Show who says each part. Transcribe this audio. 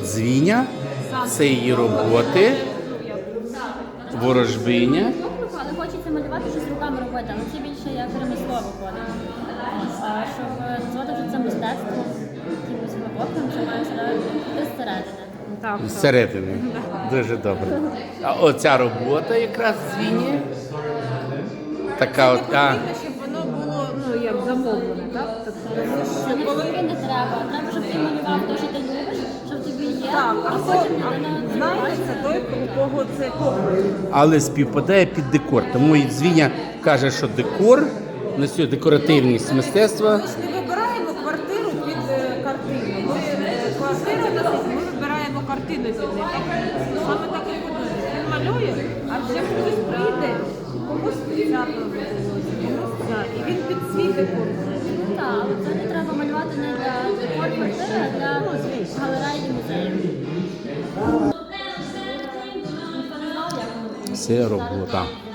Speaker 1: дзвіня, це її роботи, ворожбиня.
Speaker 2: Але хочеться малювати щось руками робити, але це більше як ремесло виходить. А щоб назвати це мистецтво, якимось глибоким, це має бути зсередини.
Speaker 3: Так.
Speaker 1: Зсередини. Дуже добре. А оця робота якраз дзвіні. Така от.
Speaker 3: Щоб воно було, ну, як замовлене, так?
Speaker 2: Це не тільки не треба. Треба, щоб ти малював те, що ти любиш, щоб тобі є,
Speaker 3: Так,
Speaker 2: а потім людина
Speaker 3: знаєте, це той, у кого це погляд.
Speaker 1: Але співпадає під декор. Тому і дзвіня каже, що декор, на сьогодні декоративність мистецтва.
Speaker 3: Ми ж не вибираємо квартиру під картину. Квартира у нас, ми вибираємо картину під неї. Саме так і буде. Він малює, а вже хтось прийде, комусь свято відбулося, комусь це. І він під свій декор.
Speaker 2: Так, але це не треба малювати не для декор квартири, а для галереї і музеїв.
Speaker 1: Це робота.